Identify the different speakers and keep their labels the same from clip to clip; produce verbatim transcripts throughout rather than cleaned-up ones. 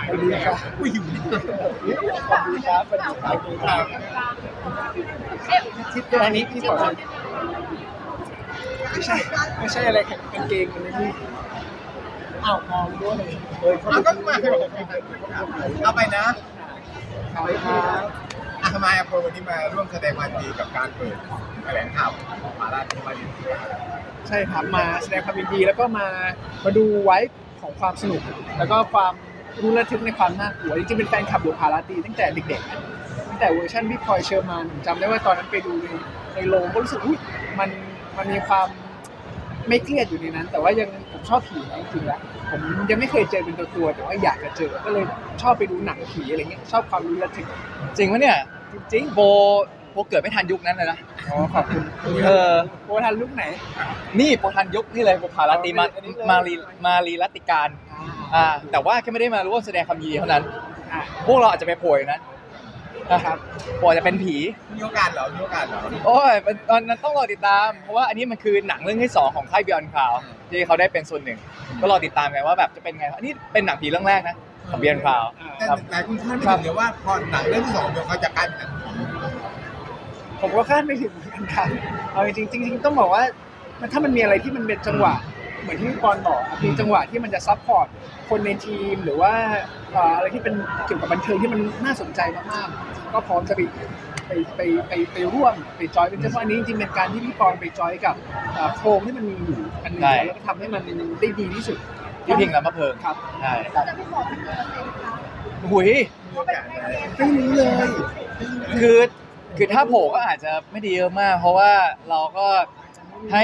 Speaker 1: สวัสดีครับผู้หญิงสวัสดีครับสวัสดีครับสวัสดีครับทิศตรงนี้พี่ขอไม่ใช่ไม่ใช่อะไรกางเกงมันนี่อ้าวมองด้วยเออเขาก็มาเอาไปนะเอาไปครับอ่ะทำไมอ่ะพอวันนี้มาร่วมแสดงความยินดีกับการเปิดแถลงข่าวของมาราธอนมาดินใช่ครับมาแสดงความยินดีแล้วก็มามาดูไว้ของความสนุกแล้วก็ความรู้ระทึกในความน่ากลัวจริงๆเป็นแฟนคลับบุพาราตรีตั้งแต่เด็กๆตั้งแต่เวอร์ชันพี่พลอยเชอร์มานผมจำได้ว่าตอนนั้นไปดูในในโรงก็รู้สึกอุ้ยมันมันมีความไม่เครียดอยู่ในนั้นแต่ว่ายังผมชอบผีนะจริงๆแล้วผมยังไม่เคยเจอเป็นตัวตัวแต่ว่าอยากจะเจอก็เลยชอบไปดูหนังผีอะไรเงี้ยชอบความรู้ระทึก
Speaker 2: จริงปะเนี่ย
Speaker 1: จริง
Speaker 2: โบโบเกิดไม่ทันยุคนั้นเลยนะ
Speaker 1: อ๋อขอบคุณ
Speaker 2: เออ
Speaker 1: โบทันลุกไหน
Speaker 2: นี่โบทันยุคนี่เลยโบพาราตรีมามารีมารีรัตติการอ่าแต่ว่าแค่ไม่ได้มาร่วมแสดงความยินดีเท่านั้นพวกเราอาจจะไปโผล่นะนะครับโบจะเป็นผี
Speaker 1: มีโอกาสเหรอมีโอกาสเหรอ
Speaker 2: โอ้ยตอนนั้นต้องรอติดตามเพราะว่าอันนี้มันคือหนังเรื่องที่สองของค่าย Beyond Cloud ที่เขาได้เป็นส่วนหนึ่งก็รอติดตามกันว่าแบบจะเป็นไงอันนี้เป็นหนังผีเรื่องแรกนะของ Beyond Cloud
Speaker 1: แต่หลายคนคาดไม่ถึงเลยว่าพอหนังเรื่องที่สองเดี๋ยวเขาจะกลายเป็นหนังผมก็คาดไม่ถึงเหมือนกันครับเอาจริงจริงๆต้องบอกว่าถ้ามันมีอะไรที่มันเป็นจังหวะเหมือนที่พี่ปอนบอกมีจังหวะที่มันจะซัพพอร์ตคนในทีมหรือว่าอะไรที่เป็นเกี่ยวกับบันเทิงที่มันน่าสนใจมากๆก็พร้อมจะไปไปไปไปไปร่วมไปจอยเป็นเฉพาะนี้จริงๆเป็นการที่พี่ปอนไปจอยกับโครงที่มันมีอยู่อันนึงแล้วก็ทำให้มันได้ดีที่สุด
Speaker 2: ที่พิงแล้วมาเพิ่ม
Speaker 1: ครับ
Speaker 2: ใช่
Speaker 3: จะไม่บอกเป็นเปอร์เซ็นต์ค่ะ
Speaker 2: หุย
Speaker 1: ไม่รู้เลย
Speaker 2: คือคือถ้าโผล่ก็อาจจะไม่ดีเยอะมากเพราะว่าเราก็ให้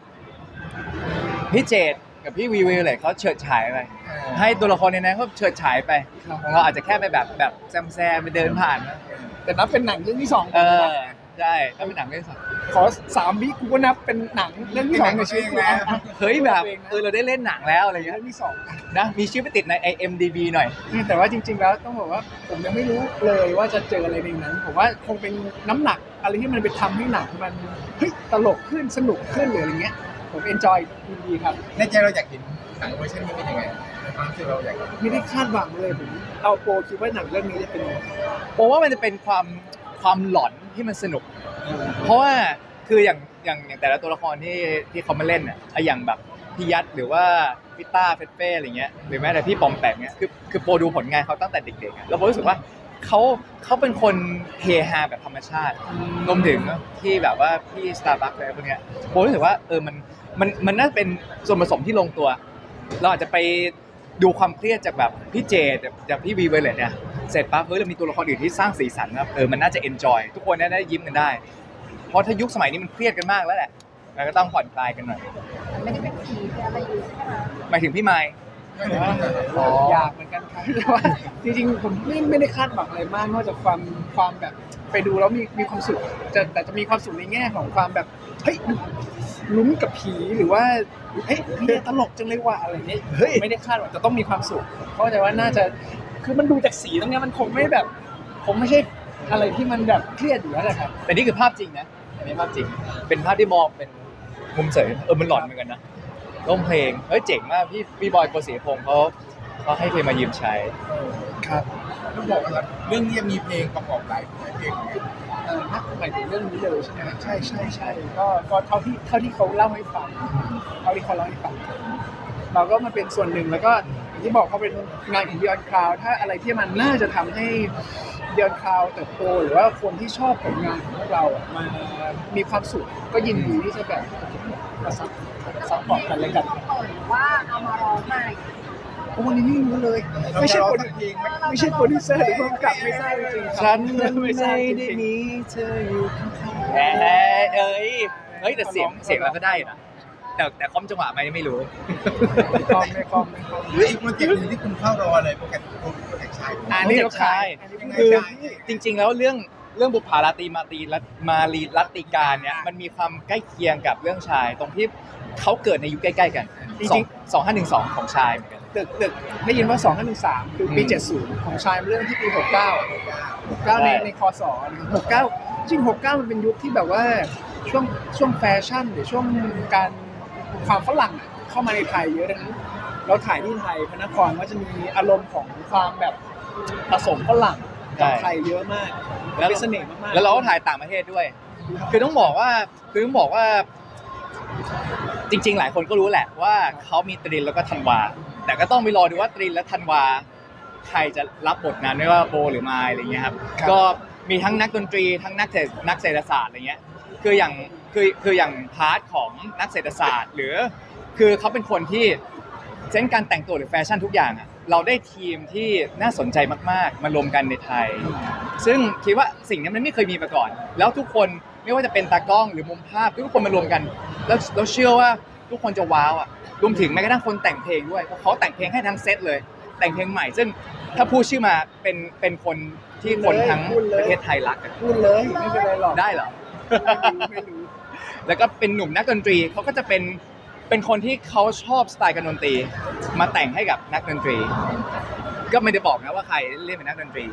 Speaker 2: พี่เจตกับพี่วีวีเลยเขาเฉิดฉายไปให้ตัวละครในนั้นเขาเฉิดฉายไปของเราอาจจะแค่ไปแบบแบบแซมแซมไปเดินผ่านนะ
Speaker 1: แต่นับเป็นหนังเรื่องที่สอง
Speaker 2: เออใช่ถ้าเป็นหนังเรื่องสอง
Speaker 1: ขอสามวิกูก็นับเป็นหนังเรื่องที่สองในชีวิตแล้ว
Speaker 2: เฮ้ยแบบเออเราได้เล่นหนังแล้วอะไรเงี้ย
Speaker 1: เรื่องที่สอง
Speaker 2: นะมีชื่อไปติดใน ไอ เอ็ม ดี บี หน่อย
Speaker 1: แต่ว่าจริงๆแล้วต้องบอกว่าผมยังไม่รู้เลยว่าจะเจออะไรในนั้นผมว่าคงเป็นน้ำหนักอะไรที่มันไปทำให้หนังมันเฮ้ยตลกขึ้นสนุกขึ้นหรืออะไรเงี้ยผมเอนจอยดีครับในใจเราอยากเห็นหนังเวอร์ชันนี้เป็นยังไงความที่เราอยากไม่ได้คาดหวังเลยผมเอาโปรคิดว่าหนังเรื่องนี้จะเป็นยังไง
Speaker 2: ผมว่ามันจะเป็นความความหลอนที่มันสนุกเพราะว่าคืออย่างอย่างอย่างแต่ละตัวละครที่ที่เขามาเล่นเนี่ยอย่างแบบพี่ยัดหรือว่าพี่ต้าเฟเฟ่อะไรเงี้ยหรือแม้แต่พี่ปอมแปมเนี่ยคือคือโปรดูผลงานเขาตั้งแต่เด็กๆแล้วผมรู้สึกว่าเขาเขาเป็นคนเฮฮาแบบธรรมชาติรวมถึงที่แบบว่าพี่สตาร์บัคอะไรพวกเนี้ยผมรู้สึกว่าเออมันมันมันน่าเป็นส่วนผสมที่ลงตัวเราอาจจะไปดูความเครียดจากแบบพี่เจจากพี่วีเวเลตเนี่ยเสร็จปั๊บเฮ้ยเรามีตัวละครอื่นที่สร้างสีสันครับเออมันน่าจะเอนจอยทุกคนน่าได้ยิ้มกันได้เพราะถ้ายุคสมัยนี้มันเครียดกันมากแล้วแหละเราก็ต้องผ่อนคลายกันหน่อย
Speaker 3: ไม่ได้เป็นผีเป็นอะไรอยู่ใช่ไหม
Speaker 2: หมายถึงพี่ไมค์
Speaker 1: อยากเหมือนกันครับแต่ว่าจริงๆผมไม่ไม่ได้คาดหวังอะไรมากนอกจากความความแบบไปดูแล้วมีมีความสุขจะแต่จะมีความสุขในแง่ของความแบบเฮ้ยลุ้นกับผีหรือว่าเฮ้ยนี่ตลกจังเลยว่ะอะไรเงี้ยไม่ได้คาดหวังจะต้องมีความสุขเพราะแต่ว่าน่าจะคือมันดูจากสีตรงนี้มันคงไม่แบบผมไม่ใช่อะไรที่มันแบบเครียดอยู่แล้วแหละครับ
Speaker 2: แต่นี่คือภาพจริงนะอันนี้ภาพจริงเป็นภาพที่มองเป็นมุมเสยเออมันหลอนเหมือนกันนะร้องเพลงเฮ้ยเจ๋งมากพี่พี่บอยโกศิยพงศ์เขาเขาให้เพลงมายืมใช้
Speaker 1: ครับต้องบอกว่าเรื่องนี้มีเพลงประกอบหลายเพลงเออหมายถึงเรื่องนี้เลยใช่ไหมใช่ใช่ใช่ก็ก็เท่าที่เท่าที่เขาเล่าให้ฟังเท่าที่เขาเล่าให้ฟังเราก็มาเป็นส่วนหนึ่งแล้วก็อย่างที่บอกเขาเป็นงานของ Beyond Cloud ถ้าอะไรที่มันน่าจะทำให้ Beyond Cloud เติบโตหรือว่าคนที่ชอบผลงานของพวกเราอ่ะมามีความสุขก็ยินดีที่จะแบบมาซัพซัพพอร์ตกันและกัน
Speaker 3: หรือว่าเอามาร้องใหม่
Speaker 1: โอ้วันนี้ไม่รู้เลยไม่ใช่คนเพลงไม่ใช่โปรดิวเซอร์หรือผู้กำกับไม่ใช่จริงๆ
Speaker 2: ฉันไม่ได้มีเธออยู่ข้างๆแหมเอ้ยเฮ้ยแต่เสียงเสียงเราก็ได้นะแต่แต่คอมจังหวะไหมไม่รู้
Speaker 1: ไม่คอมไม่คอมไม่คอมหรืออีกโปรเจกต์นึงที่คุณเข้ารอเลยโปรเจกต์โปรเจกต์ชาย
Speaker 2: อันนี้ก็ชายคือจริงๆแล้วเรื่องเรื่องบุพาราตรีมาตรีมารีรัตติการเนี่ยมันมีความใกล้เคียงกับเรื่องชายตรงที่เขาเกิดในยุคใกล้ๆกันสองห้าหนึ่งสองของชายเหมือนกัน
Speaker 1: ตึกตึกได้ยินว่าสองห้าหนึ่งสามคือปีเจ็ดสิบของชายเรื่องที่ปีหกเก้า หกเก้าในในคศหกเก้าจริงหกเก้ามันเป็นยุคที่แบบว่าช่วงช่วงแฟชั่นหรือช่วงการความฝรั่งเข้ามาในไทยเยอะดังนั้น
Speaker 4: เราถ่ายที่ไทยพระนครก็จะมีอารมณ์ของความแบบผสมฝรั่งกับไทยเยอะมาก
Speaker 2: แล้ว
Speaker 4: เป็นเสน่ห์มากๆ
Speaker 2: แล้วเราก็ถ่ายต่างประเทศด้วย คือต้องบอกว่าคือต้องบอกว่า จริงๆ หลายคนก็รู้แหละว่าเขามีตรินแล้วก็ธันวา แต่ก็ต้องไปรอดูว่าตรินและธันวาใครจะรับบทนั้นไม่ว่าโบหรือไมล์อะไรเงี้ยครับก็มีทั้งนักดนตรีทั้งนักเศรษฐนักเศรษฐศาสตร์อะไรเงี้ยคืออย่างคือคืออย่างพาร์ทของนักเศรษฐศาสตร์ หรือคือเขาเป็นคนที่เซนส์การแต่งตัวหรือแฟชั่นทุกอย่างอะเราได้ทีมที่น่าสนใจมากๆมารวมกันในไทย ซึ่งคิดว่าสิ่งนี้มันไม่เคยมีมาก่อน แล้วทุกคนไม่ว่าจะเป็นตากล้องหรือมุมภาพทุกคนมารวมกัน แล้วเราเชื่อว่าทุกคนจะว้าวอ่ะรวมถึงแม้กระทั่งคนแต่งเพลงด้วยเพราะเขาแต่งเพลงให้ทั้งเซตเลย แต่งเพลงใหม่ ซึ่งถ้าพูดชื่อมาเป็นเป็นคนที่คนทั้งประเทศไทยรักกัน
Speaker 4: พูดเลยไม่เป็นไรหรอก
Speaker 2: ได้เหรอ
Speaker 4: ไม่รู้
Speaker 2: แล้วก็เป็นหนุ่มนักดนตรีเขาก็จะเป็นเป็นคนที่เขาชอบสไตล์การดนตรี มาแต่งให้กับนักดนตรี ก็ไม่ได้บอกนะว่าใครเล่นเป็นนักดนตรี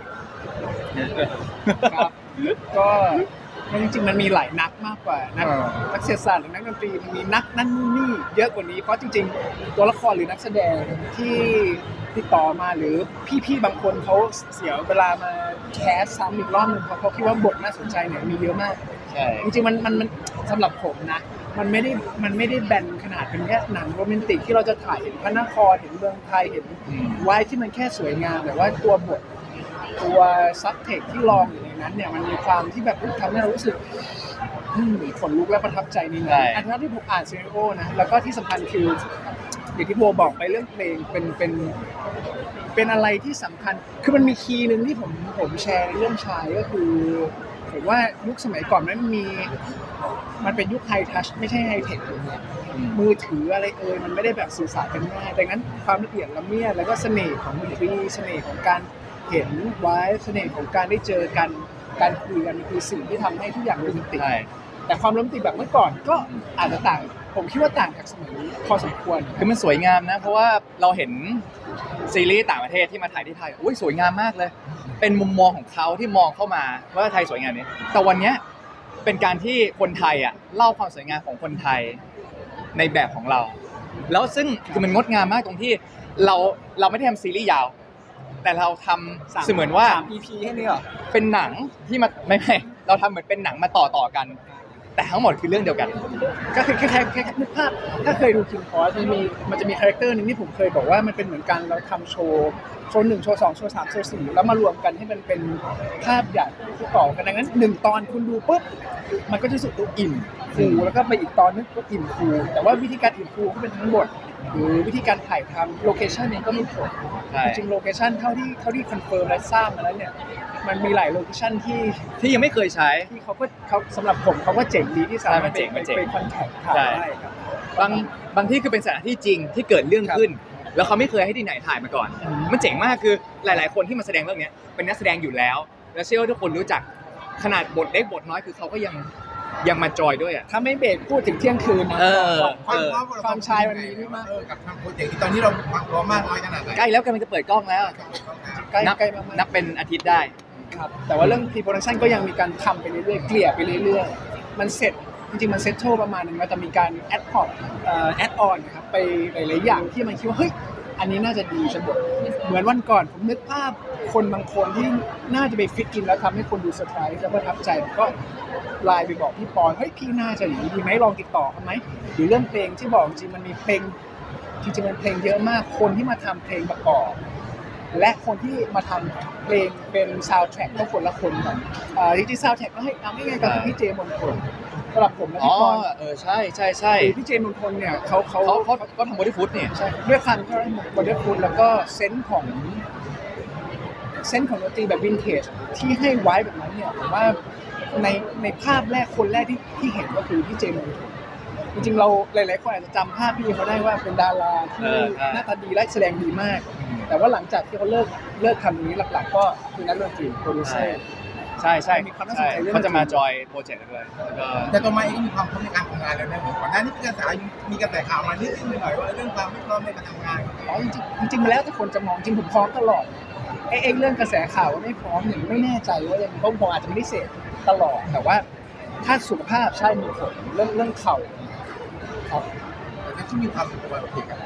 Speaker 4: ครับก็มันจริงๆมันมีหลายนักมากกว่านัก
Speaker 2: เออ
Speaker 4: นักเศรษฐศาสตร์หรือนักดนตรีมันมีนักนั่นนู่นนี่เยอะกว่านี้เพราะจริงๆตัวละครหรือนักแสดงที่ติดต่อมาหรือพี่ๆบางคนเขาเสียเวลามาแคสซ้ำอีกรอบหนึงเพราะเขาคิดว่าบทน่าสนใจเนี่ยมีเยอะมาก
Speaker 2: ใช่
Speaker 4: จริงๆมันมันมันสำหรับผมนะมันไม่ได้มันไม่ได้แบนขนาดเป็นแค่หนังโรแมนติกที่เราจะถ่ายเห็นพระนครเห็นเมืองไทยเห็น
Speaker 2: อืม
Speaker 4: ไว้ที่มันแค่สวยงามแต่ว่าตัวบทตัวซับเทคที่ลองอยู่ในนั้นเนี่ยมันมีความที่แบบทำให้เรารู้สึกอืมขนลุกและประทับใจในนั้นอันนั้นที่ผมอ่านซีรีโอนะแล้วก็ที่สำคัญคืออย่างที่โบบอกไปเรื่องเพลงเป็นเป็นเป็นอะไรที่สำคัญคือมันมีคีย์หนึ่งที่ผมผมแชร์ในเรื่องชายก็คือผมว่ายุคสมัยก่อนมันมีมันเป็นยุคไฮทัชไม่ใช่ไฮเทคอย่างเงี้ย มือถืออะไรเอ่ยมันไม่ได้แบบสื่อสารกันง่ายดังนั้นความละเอียดละเมียดแล้วก็เสน่ห์ของดนตรีเสน่ห์ของการเห็นไว้เสน่ห์ของการได้เจอกันการคุยกันคือสิ่งที่ทำให้ทุกอย่างโรแมนติก
Speaker 2: ใช่
Speaker 4: แต่ความโรแมนติกแบบเมื่อก่อนก็อาจจะต่างผมคิดว่าต่างจากสมัยนี้พอสมควร
Speaker 2: คือมันสวยงามนะ เพราะว่าเราเห็นซีรีส์ต่างประเทศที่มาถ่ายที่ไทยอุ้ยสวยงามมากเลย เป็นมุมมองของเขาที่มองเข้ามาว่าไทยสวยงามนี้แต่วันเนี้ยเป็นการที่คนไทยอ่ะเล่าความสวยงามของคนไทยในแบบของเรา แล้วซึ่งคือมันงดงามมากตรงที่เราเราไม่ได้ทำซีรีส์ยาว แต่เราทำเสมือนว่า
Speaker 4: สาม อี พี แค่นี้เหรอ
Speaker 2: เป็นหนังที่มาไม่ไม่เราทำเหมือนเป็นหนังมาต่อต่อกัน แต่ทั้งหมดคือเรื่องเดียวกัน
Speaker 4: ก็คือแค่แค่แค่นึกภาพถ้าเคยดูคิงคอร์สมันมีมันจะมีคาแรคเตอร์หนึงที่ผมเคยบอกว่ามันเป็นเหมือนกันเราทำโชว์โชว์หนึ่งโชว์สองโชว์สามโชว์สี่แล้วมารวมกันให้มันเป็นภาพใหญ่ที่ต่อกันดังนั้นหนึ่งตอนคุณดูปุ๊บมันก็จะรู้สึกตัวอิ่มฟูแล้วก็ไปอีกตอนนึงก็อิ่มฟูแต่ว่าวิธีการอิ่มฟูก็เป็นทั้งบทหรือวิธีการถ่ายทำโลเคชั่นเองก็มีผล
Speaker 2: ใช่
Speaker 4: จริงๆโลเคชั่นเท่าที่เท่าที่คอนเฟิร์มและทราบมาแล้วเนี่ยมันมีหลายโลเคชั่นที่
Speaker 2: ที่ยังไม่เคยใช้
Speaker 4: ที่เขาก็เขาสำหรับผมเขาก็เจ๋งดีที่สามารถ
Speaker 2: ใช่มันเจ๋งมันเจ๋ง
Speaker 4: ไปคอนแทคถ่าย
Speaker 2: ใช่
Speaker 4: ได้ครับ
Speaker 2: บางบางที่คือเป็นสถานที่จริงที่เกิดเรื่องขึ้น แล้วเขาไม่เคยให้ที่ไหนถ่ายมาก่อน
Speaker 4: อืม
Speaker 2: มันเจ๋งมากคือหลาย ๆ คนที่มาแสดงเรื่องเนี้ยเป็นนักแสดงอยู่แล้ว แล้วเชื่อว่าทุกคนรู้จักขนาดบทเล็กบทน้อยคือเขาก็ยังยังมาจอยด้วยอ่ะ
Speaker 4: ถ้าไม่เบรกพูดถึงเที่ยงคืนนะ
Speaker 2: เออ
Speaker 4: ความความความชายมันมีนี่มาก
Speaker 1: เออกับทำโปรเจกต์ที่ตอนนี้เราวางตัวมากน้อยขนาดไหน
Speaker 2: ใกล้แล้วกำลังจะเปิดกล้องแล้ว
Speaker 4: ใกล้
Speaker 2: นับ
Speaker 4: ใกล้มากๆ
Speaker 2: นับเป็นอาทิตย์ได้
Speaker 4: ครับแต่ว่าเรื่อง pre-production ก็ยังมีการทำไปเรื่อยๆเกลี่ยไปเรื่อยๆมันเสร็จจริงๆมันเซ็ตโชประมาณนึงแล้วแต่มีการแอดพอร์ตเอ่อแอดออนนะครับไปหลายๆอย่างที่มันคิดว่าเฮ้ยอันนี้น่าจะดีฉันบอกเหมือนวันก่อนผมนึกภาพคนบางคนที่น่าจะไปฟิตกินแล้วทำให้คนดูเซอร์ไพรส์แล้วประทับใจผมก็ไลน์ไปบอกพี่ปอนเฮ้ยพี่น่าจะอย่างนี้ดีไหมลองติดต่อเขาไหมหรือเรื่องเพลงที่บอกจริงๆมันมีเพลงจริงๆมันเพลงเยอะมากคนที่มาทำเพลงประกอบ และคนที่มาทำเพลงเป็นซาวด์แทร็กก็คนละคนกันอ่าจริงๆซาวด์แทร็กก็ให้เอาง่ายๆก็คือพี่เจมนพลสำหรับผมและ
Speaker 2: อ๋อ
Speaker 4: พี่ปอน
Speaker 2: เออใช่ใช่ใช่
Speaker 4: คือพี่เจมนพลเนี่ยเขาเขา
Speaker 2: เขาเขาก็ทำบอดี้ฟู้ดนี่
Speaker 4: ใช่ด้วยความที่เขาบอดี้ฟูดแล้วก็เซนส์ของเซนส์ของดนตรีแบบวินเทจที่ให้ไว้แบบนั้นเนี่ยผมว่าในในภาพแรกคนแรกที่ที่เห็นก็คือพี่เจมนพลจริงๆเราหลายๆคนอาจจะจำภาพพี่เขาได้ว่าเป็นดาราที่
Speaker 2: เออใช่
Speaker 4: หน้าตาดีและแสดงดีมาก แต่ว่าหลังจากที่เขาเลิกเลิกทำตรงนี้หลักๆ ก็คือนักดนตรีโปรดิวเซอร์
Speaker 2: ใช่ใช่
Speaker 4: มีความน่าสน
Speaker 2: ใช่
Speaker 4: ใจเรื่อง
Speaker 2: เขาจะมาจอยโปรเจกต์ด้วยแล้วก็
Speaker 1: แต่ตัวมาเองก็มีความพร้อมในการทำงานแล้วนะเหมือนก่อนหน้านี้มีกระแสมีกระแสข่าวมานิดนึงหน่อยว่าเรื่องความไม่พร้อมในการทำงาน
Speaker 4: อ๋อจริงๆจริงๆมาแล้วแต่คนจะมองจริงผมพร้อมตลอดไอ้ไอ้เรื่องกระแสข่าวว่าไม่พร้อมเนี่ยไม่แน่ใจว่ายังเพราะผมอาจจะไม่ได้เสพตลอดแต่ว่าถ้าสุขภาพใช่มีผลเรื่องเรื่องเข่าครับ
Speaker 1: แต่ที่มีความสุขกับกับก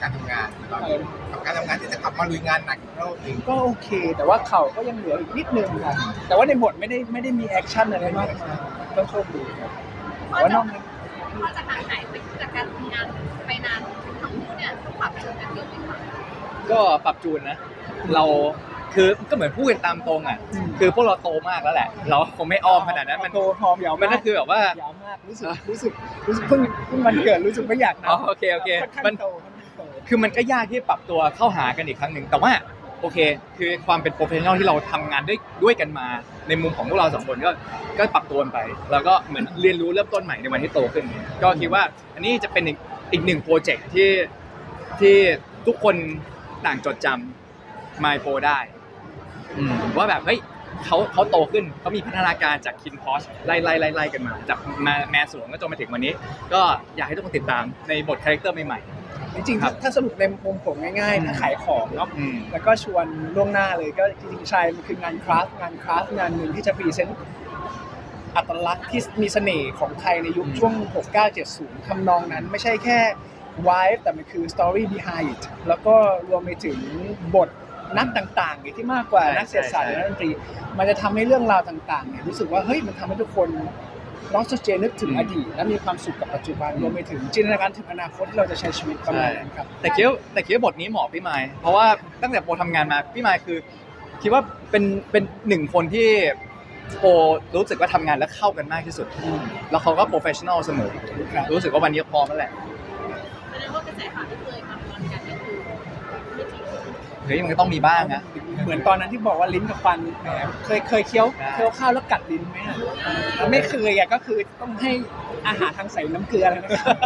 Speaker 1: การทำงานตอนนี้กับการทำงานที่จะกลับมาลุยงานหนักอีกรอบหนึ่ง
Speaker 4: ก็โอเค แต่ว่าเข่าก็ยังเหลืออีกนิดนึงครับแต่ว่าในบทไม่ได้ไม่ได้มีแอคชั่นอะไรมากมายก็โชคดีครับแต่ว่านอกนั้น
Speaker 3: พอจะห่างหายไปจากการทำงานไปนานทั้งคู่เนี่ยต้องปรับจูนกันเยอะไหมคะ
Speaker 2: ก็ปรับจูนนะ เราคือก็เหมือนพูดกันตามตรงอ่ะ คือพวกเราโตมากแล้วแหละ เราคงไม่อ้อมขนาดนั้นมัน
Speaker 4: โตพร้อมยาว
Speaker 2: มันก็คือแบบว่า
Speaker 4: ยาวมากรู้สึกรู้สึกรู้สึกเพิ่งเพิ่งวันเกิดรู้สึกไม่อยากนะ
Speaker 2: อ๋อโอเคโอเค
Speaker 4: ค่อนข้าง
Speaker 2: มัน
Speaker 4: โตค่อนข้างโต
Speaker 2: คือมันก็ยากที่ปรับตัวเข้าหากันอีกครั้งหนึ่งแต่ว่าโอเค คือความเป็นโปรเฟชชั่นอลที่เราทำงานด้วยด้วยกันมา ในมุมของพวกเราสองคนก็ก็ปรับตัวกันไป แล้วก็เหมือนเรียนรู้เริ่มต้นใหม่ในวันที่โตขึ้น ก็คิดว่าอันนี้จะเป็นอีกอีกหนึ่งโปรเจกต์ที่ที่ทุกคนต่างจดจำ My Pro ได้อืมว่าแบบเฮ้ยเขาเขาโตขึ้นเขามีพัฒนาการจากคินพอชไล่ไล่ไล่ไล่กันมาจากมาแมสวงก็จนมาถึงวันนี้ ก็อยากให้ทุกคนติดตามในบทคาแรคเตอร์ใหม่
Speaker 4: จริงๆ
Speaker 2: ครับ
Speaker 4: ถ้าสรุปในมุมผมง่ายๆถ้าขายของเนาะ
Speaker 2: อืม
Speaker 4: แล้วก็ชวนล่วงหน้าเลยก็จริงๆชายมันคืองานคราฟต์งานคราฟต์งานหนึ่งที่จะพรีเซนต์อัตลักษณ์ที่มีเสน่ห์ของไทยในยุคช่วง หกเก้าเจ็ดศูนย์ ทำนองนั้นไม่ใช่แค่ vibe แต่มันคือ story behind it แล้วก็รวมไปถึงบทนักต่างๆอีกที่มากกว่า
Speaker 2: ใช่
Speaker 4: นักเศรษฐศาสตร์
Speaker 2: ใช่
Speaker 4: และนักดนตรี มันจะทำให้เรื่องราวต่างๆเนี่ยรู้สึกว่าเฮ้ยมันทำให้ทุกคนน้องสเจนึกถึงอดีตและมีความสุขกับปัจจุบันรวมไปถึงจินตนาการถึงอนาคตที่เราจะใช้ชีวิตประมาณนั้นครับ
Speaker 2: แต่คิดว่าแต่คิดว่าบทนี้เหมาะพี่ไมค์เพราะว่าตั้งแต่โปรทำงานมาพี่ไมค์คือคิดว่าเป็นเป็นหนึ่งคนที่โปรรู้สึกว่าทำงานแล้วเข้ากันมากที่สุด แล้วเขาก็โปรเฟชชั่นอลเสมอ
Speaker 4: ครับ
Speaker 2: รู้สึกว่าวันนี้พร้อมแล้วแหละ
Speaker 3: แสดงว่ากระแสข่าวที่เคยมาตอนกันก็คือไม่จริง
Speaker 2: เฮ้ยมันก็ต้องมีบ้างนะ
Speaker 4: เหมือนตอนนั้นที่บอกว่าลิ้นกับฟันแหมเคยเคยเคี้ยว
Speaker 2: ได้
Speaker 4: เคี้ยวข้าวแล้วกัดลิ้นไหมอะไม่เคยอ่ะก็คือต้องให้อาหารทางใส่น้ำเกลือแล้วนะครับ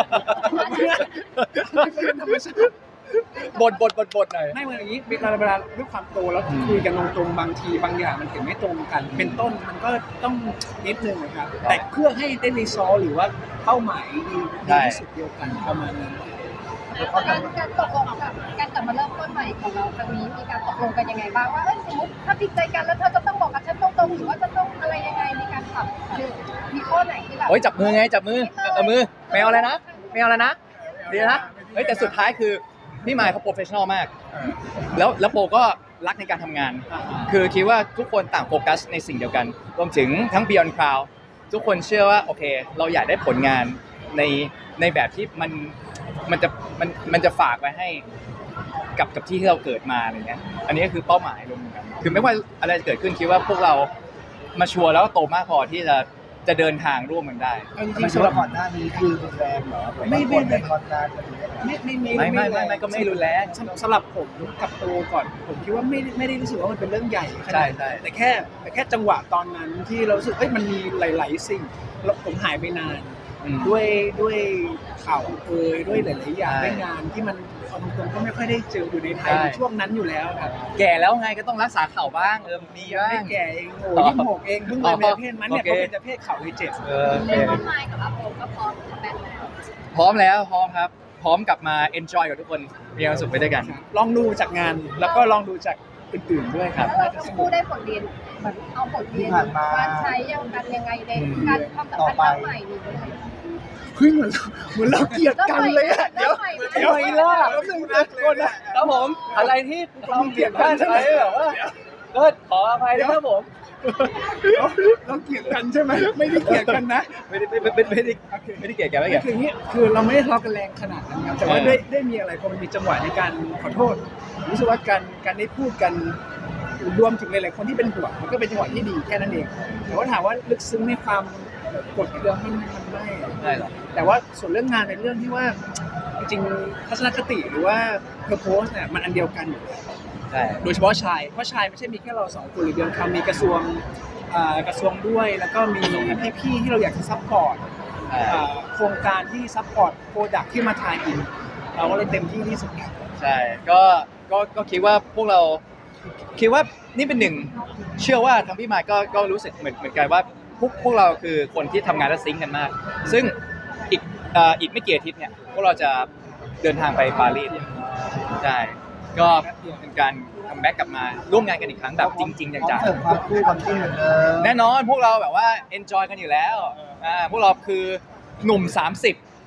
Speaker 4: เป็นธรรมชาติ
Speaker 2: บทบทบทบทหน่อย
Speaker 4: ไม่เหมือนอย่างนี้เวลาเวลาด้วยความโตแล้ว
Speaker 2: อืม
Speaker 4: คุยกันตรงๆบางทีบางอย่างมันเห็นไม่ตรงกัน เป็นต้นมันก็ต้องนิดนึงนะครับแต่เพื่อให้ได้รีซอลหรือว่าเป้าหมายดีดีที่สุดเดียวกันประมาณนั้น
Speaker 3: การการตกลงกับการกลับมาเริ่มต้นใหม่ของเราครั้งนี้มีการตกลงกันยังไงบ้างว่าเอ้ยสมมติถ้าผิดใจกันแล้วเธอจะต้องบอกกับฉันตรงๆหรือว่าจะต้องอะไรยังไงในการปรับคือมีข้อไหนที่แบบ
Speaker 2: โอ้ยจับมือไงจับมือเอามือไม่เอาอะไรนะไม่เอาอะไรนะดีนะเฮ้ยแต่สุดท้ายคือพี่ไมค์เขาโปรเฟชชั่นอลมาก แล้วแล้วโปรก็รักในการทำงาน คือคิดว่าทุกคนต่างโฟกัสในสิ่งเดียวกัน รวมถึงทั้ง Beyond Cloud ทุกคนเชื่อว่าโอเค เราอยากได้ผลงานในในแบบที่มันมันจะมันมันจะฝากไว้ให้กับกับที่ที่เราเกิดมาอะไรเงี้ย อันนี้ก็คือเป้าหมายรวมกัน คือไม่ว่าอะไรจะเกิดขึ้นคิดว่าพวกเรามาชัวร์แล้วก็โตมากพอที่จะจะเดินทางร่วมกันได้
Speaker 4: เอาจริง
Speaker 1: ไม่
Speaker 4: ๆ
Speaker 1: ใช่
Speaker 4: สำหรั
Speaker 1: ว่า
Speaker 4: บ
Speaker 1: ก่อนหน้านี้คือรุนแรงเหรอ
Speaker 4: ไม่ไม่ไม่
Speaker 1: ก่อนหน้านี้
Speaker 4: ไม่ไม่ไม่
Speaker 2: ไม่ไม่ไม่ไม่ก็ไม่รุนแรง
Speaker 4: สำสำหรับผมกับโตก่อน ผมคิดว่าไม่ได้ไม่ได้รู้สึกว่ามันเป็นเรื่องใหญ่ข
Speaker 2: ใช่
Speaker 4: นาด
Speaker 2: ใช่
Speaker 4: นั้นแต่แค่แต่แค่จังหวะตอนนั้นที่เรารู้สึกเอ้ยมันมีหลาย ๆ สิ่งแล้วผมหายไปนาน
Speaker 2: อืม
Speaker 4: ด้วยด้วยข่าวเอ่ยด้วยหลาย ๆ อย่าง
Speaker 2: ใช่
Speaker 4: ด้วยงานที่มันเอาตรงๆก็ไม่ค่อยได้เจออยู่ในไทย
Speaker 2: ใช่
Speaker 4: ในช่วงนั้นอยู่แล้วครับ
Speaker 2: แก่แล้วไงก็ต้องรักษาเข่าบ้างเออมีบ้า
Speaker 4: ไม่
Speaker 2: ง
Speaker 4: แก่เองโอ้
Speaker 2: อ๋อ
Speaker 4: ยี่สิบหกเองเพิ่งเลยเป็นเพศมันเนี่ย
Speaker 2: โอเค
Speaker 4: เขาเป็นจะเพศเข่าเลยเจ็ด
Speaker 2: เออโอเค
Speaker 3: เรื่องต้นไม้กับอาโปก็พร้อมกับแบนแล้ว
Speaker 2: พร้อมแล้วพร้อมครับ พร้อมกลับมา enjoy กับทุกคนมีความสุขไปด้วยกัน
Speaker 4: ลองดูจากงานแล้วก็ลองดูจากอื่น ๆ ด้วยครับ
Speaker 3: แล้วเราทั้งคู่ได้บทเรียนเหมือนเอาบทเรียนการใช้ยังกันยังไงในการความสัมพันธ์ครั้งใหม่นี้
Speaker 4: เฮ้ยเหมือนเหมือนเราเกลียดกันเลยอะเดี๋ยว
Speaker 3: เดี๋ยว
Speaker 4: ทำไมล่ะแป๊บนึงนะคนนะครับ
Speaker 2: ผมอะไรที่เราเกลียดกันใช่แบบว่าก็ขออภัยนะครับผม
Speaker 4: เราเราเกลียดกันใช่ไหมไม่ได้เกลียดกันนะ
Speaker 2: ไม่ได้ไม่ไม่ไม่ได้ไม่ได้เกลียดแกไม่เกลียด
Speaker 4: คืออย่างนี้คือเราไม่ได้ทะเลาะกันแรงขนาดนั้นครับแต่ว่า
Speaker 2: เออ
Speaker 4: ได้ได้มีอะไรพอมันมีจังหวะในการขอโทษรู้สึกว่าการการได้พูดกันรวมถึงหลายๆคนที่เป็นห่วงมันก็เป็นจังหวะที่ดีแค่นั้นเองแต่ว่าถามว่าลึกซึ้งในความกดเกลืองมันมันไม่
Speaker 2: ได้หรอ
Speaker 4: แต่ว่าส่วนเรื่องงานเป็นเรื่องที่ว่าจริงๆทัศนคติหรือว่า purpose เนี่ยมันอันเดียวกันอยู่แล้ว
Speaker 2: ใช่
Speaker 4: โดยเฉพาะชายเพราะชายไม่ใช่มีแค่เราสองคนหรือเดียวครับมีกระทรวงอ่ากระทรวงด้วย แล้วก็มีพี่ๆที่เราอยากจะซัพพอร์ต
Speaker 2: อ่า
Speaker 4: อ่าโครงการที่ซัพพอร์ตโปรดักที่มาทายอินเราก็เลยเต็มที่ที่สุดครับ
Speaker 2: ใช่ก็ก็ก็คิดว่าพวกเราคิดว่านี่เป็นหนึ่งเชื่อว่าทั้งพี่มายก็ก็รู้สึกเหมือนเหมือนกันว่าพวกพวกเราคือคนที่ทำงานและซิงค์กันมาก ซึ่งอีกเอ่ออีกไม่กี่อาทิตย์เนี่ยพวกเราจะเดินทางไปปารีสใช่ก็เป็นการคัมแบ็กกลับมาร่วมงานกันอีกครั้งแบบจริงๆจัง
Speaker 1: เสริมความคู่ความจิ้นเหมือนเดิม
Speaker 2: ๆแน่นอนพวกเราแบบว่าเอนจอยกันอยู่แล้วอ่าพวกเราคือหนุ่มสามสิบ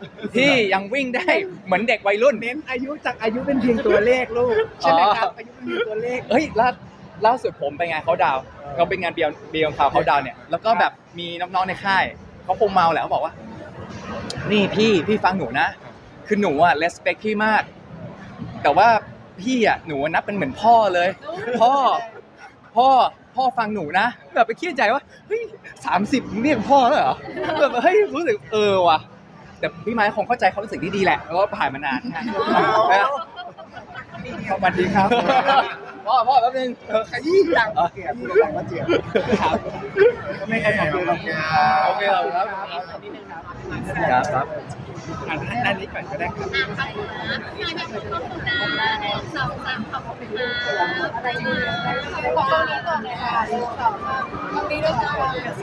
Speaker 2: พี่ยังวิ่งได้เหมือนเด็กวัยรุ่น
Speaker 4: เน้นอายุจากอายุเป็นเพียงตัวเลขลูกใช่ไหมครับอายุเป็นเพียงตัวเลข
Speaker 2: เฮ้ยล่าล่าสุดผมไปงานเขาดาวน์เราเป็นงานเบียร์เบียร์ข่าวเขาดาวน์เนี่ยแล้วก็แบบมีน้องๆในค่ายเขาคงเมาแหละเขาบอกว่า นี่พี่พี่ฟังหนูนะ คือหนูอะเลสเปคพี่มาก แต่ว่าพี่อะหนูนับเป็นเหมือนพ่อเลย พ่อ พ่อพ่อฟังหนูนะแบบไปคิดในใจว่าเฮ้ยสามสิบเรียกพ่อแล้วเหรอแบบเฮ้ยรู้สึกเออว่ะแต่พี่ไม้คงเข้าใจความรู้สึกที่ดีแหละเพราะว่าผ่านมานานนะ
Speaker 4: สวัสดีครับ
Speaker 2: พ่อพ่อแป๊บนึง
Speaker 1: ขยี้จังเกลียดพูดอะไรมาเจียบ
Speaker 4: ครับ
Speaker 1: ไม่ใครอยากดูหรอกงาน
Speaker 2: โอเคครับครับครับครับ
Speaker 4: อันอันนี้ก่อนก็ได้ครับ
Speaker 5: อ่ะค่ะงานยังครบนะสองสามขอบคุณค่ะอะไรมา
Speaker 3: ขอตรงนี้ก่อนเลยค่ะหนึ่งสองสามตรงนี้ด้วยกัน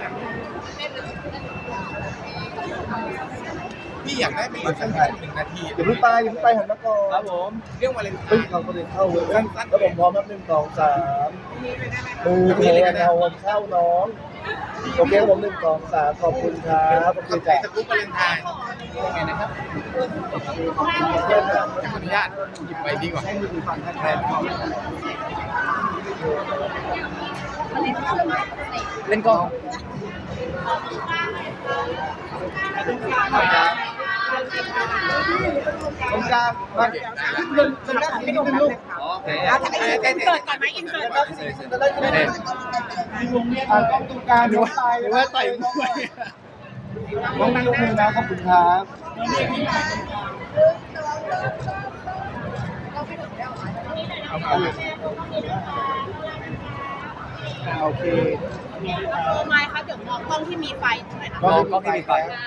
Speaker 1: พี่อยากได้เป็นสั้นๆหนึ่งนาที
Speaker 6: อย่าเพิ่งไปอย่าเพิ่งไปหันมาก่อน
Speaker 2: ครับผม
Speaker 1: เรื่องวาเลนไท
Speaker 6: เฮ้ย
Speaker 1: น์
Speaker 6: เราก็เดินเข้าเว้ยแล้วผมพร้อมนับหนึ่งสองสามมือโทรเอาวันเข้าน้องโอเคครับผมหนึ่งสองสามขอบคุณครับโอเค
Speaker 1: ขอบใจ
Speaker 6: จ้ะ
Speaker 1: สกุ๊ปวาเลนไทน์
Speaker 2: ยังไงนะครับ
Speaker 6: เพื่อนนะ
Speaker 1: ขออนุญาตหยิบไปดีกว่าให้มือฟังแทน
Speaker 2: เล่นกล้อง
Speaker 6: ตรงกลางมาเดินเดินหน้าพี่นุ่มลูก
Speaker 2: โอเค
Speaker 1: อินเสิร์ตก่อนไหมอินเสิร์ตก่อน
Speaker 6: จะได้จะได้อ่ากล้องตรงกลางดูว่าหรือว่าต่อยน้องน้องนั่งยกมือนะขอบคุณครับ
Speaker 4: โอเค
Speaker 5: โอ้ไม้คะเดี๋ยวมองกล้องที่มีไฟหน่อยนะ
Speaker 2: กล้องกล้องที่มีไฟ